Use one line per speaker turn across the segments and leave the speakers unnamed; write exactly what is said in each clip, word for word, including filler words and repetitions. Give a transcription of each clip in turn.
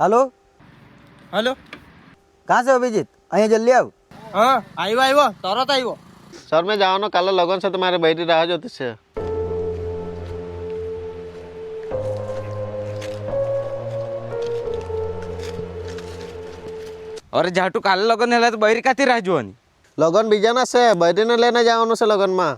Hello
hello
कहाँ से हो अभिजीत? अँ जल्दी आओ।
हाँ आइव आइव तरत आइव।
सर मैं जाओ ना कल लगन से तुम्हारे बैठी रहा जो तुझसे।
अरे झाटू काले लगन है तो बहरी काती राह जुआनी
लगन बीजाना से बैठी ने लेने जाओ से लगन में।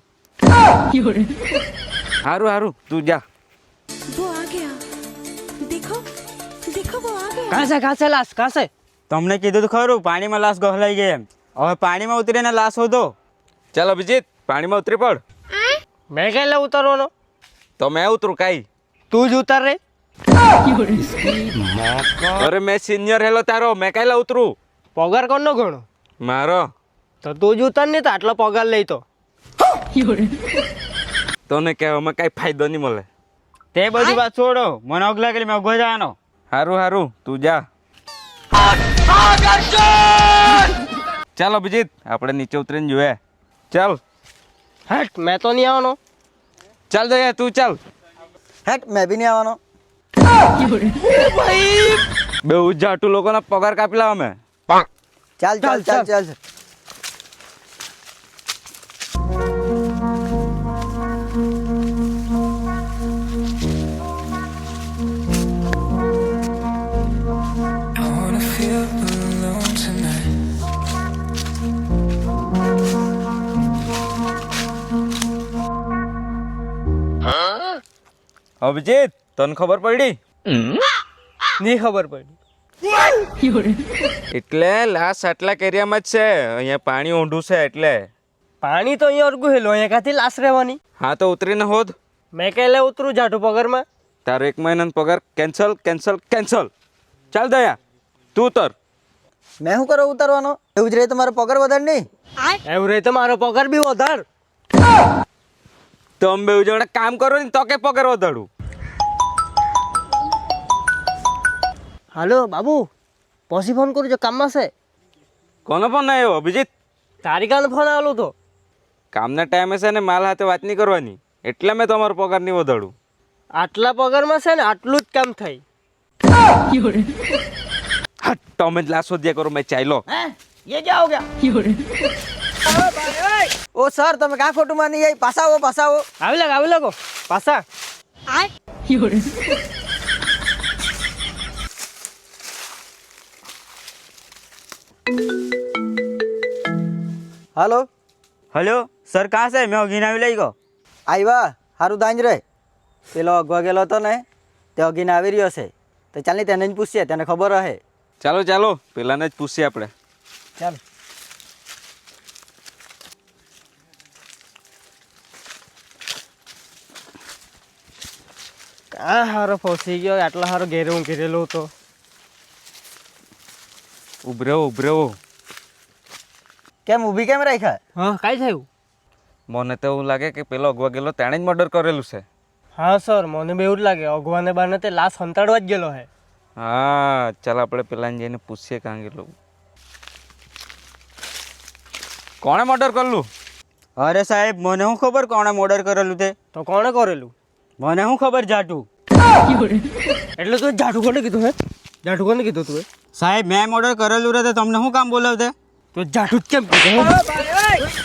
हारू हारू तू जा।
वो आ गया, देखो देखो वो आ गया।
कहाँ से कहाँ से लाश कहाँ से?
તમને કીધું તો ખરું પાણીમાં લાશ ગહલાઈ ગઈ એમ. હવે પાણીમાં ઉતરીને લાશ શોધો.
चल अभिजीत पानी में उतरी पड़।
मैं कैले उतरवानो?
तो मैं उतरू काई?
तू ज उतर रे।
अरे मैं सीनियर हेलो तारो मैं कायला उतरू?
पगार कोण नो घणो?
मारो
तो तू ज उतर नहीं तो आटलो पगार लई तो
तोने कहेવામાં કાઈ ફાયદો નહીં મળે.
તે બધી વાત છોડો, મને અગલા ગલી માં ઉભો જવાનો.
હારું હારું તું જા. ચાલ અભિજીત આપણે નીચે ઉતરીને જોઈએ. ચાલ
हट मैं तो नहीं आवनो।
ચાલ દયા તું ચાલ.
हेट मैं भी नहीं आवानो।
બે જાટુ લોકોના પગાર કાપી લાવ અમે.
चल चल चल चल, चल।
અભિજીત તને ખબર પડી?
नहीं खबर पड़ी।
એટલે લાશ આટલા એરિયામાં જ છે, અહીંયા પાણી ઊંડું છે એટલે.
पानी तो अहीं और गुहेलो अहीं काथी लाश रहवानी।
હા તો ઉતરીને હોદ.
मैं कैले उतरू जाटू पगार में?
તારો એક મહિનાનો પગાર કેન્સલ કેન્સલ કેન્સલ. ચાલ દયા તું ઉતર.
मैं हूँ करो उतरवानो? એવું જ રહે તમારો પગાર વધારે નહીં?
एवं रहे तो मारो पगार भी વધાર।
તો અમે બેઉ જણા કામ કરો ને તો કે પગાર વધારું.
हेलो बाबू पसी फोन करू जो काम में से।
કોનો ફોન આવ્યો અભિજીત?
तारी कान फोन आलो तो
કામના ટાઈમે છે ને માલ હાથે વાત નહીં કરવાની, એટલે મેં તમારો પગાર નહીં વધારું.
आटला पगार में से ने आटलू ज काम थाय।
હટ તમે જ લાશો દિયા કરો, મેં ચાલ્યો.
ये क्या हो गया?
ओ सर તમે કાં ખોટું માની જાય? પાછા આવો પાછા આવો।
आवी लग आवी लगो पासा।
हेलो
હલો સર કાં છે? મેં અગીને આવી લઈ ગયો.
આવ્યા સારું દાંજ રે। પેલો અગવા ગયેલો હતો ને તે અગીને આવી રહ્યો છે, તો ચાલ ને તેને જ પૂછીએ, તેને ખબર હશે।
ચાલો ચાલો પેલાને જ પૂછીએ આપણે.
ચાલ
क्या हारो फसी गयो? आटला हारो घेरे हूँ घेरेलो तो
ઉભરેવો ઉભરેવો.
કેમ ઊભી કેમ રાખ્યા?
हाँ काई थायु?
મને તો એવું લાગે કે પેલો અગવા ગયેલો તેણે જ મર્ડર કરેલું છે.
हाँ सर મને બી એવું જ લાગે અગવાને બાને તે લાશ હંતાડવા જ ગયેલો હે।
હા ચાલ આપણે પેલાને જઈને પૂછીએ કાં ગયેલું. કોણે મર્ડર કરેલું?
અરે સાહેબ મને શું ખબર કોણે મર્ડર કરેલું તે?
તો કોણે કરેલું?
મને શું ખબર જાટુ?
એટલે તું જાઠું કોને કીધું હે? જાઠું કોને કીધું તું?
સાહેબ મેં મર્ડર કરેલું રહે તો તમને શું કામ બોલાવતે?
તો જાઠું જ કેમ કીધું?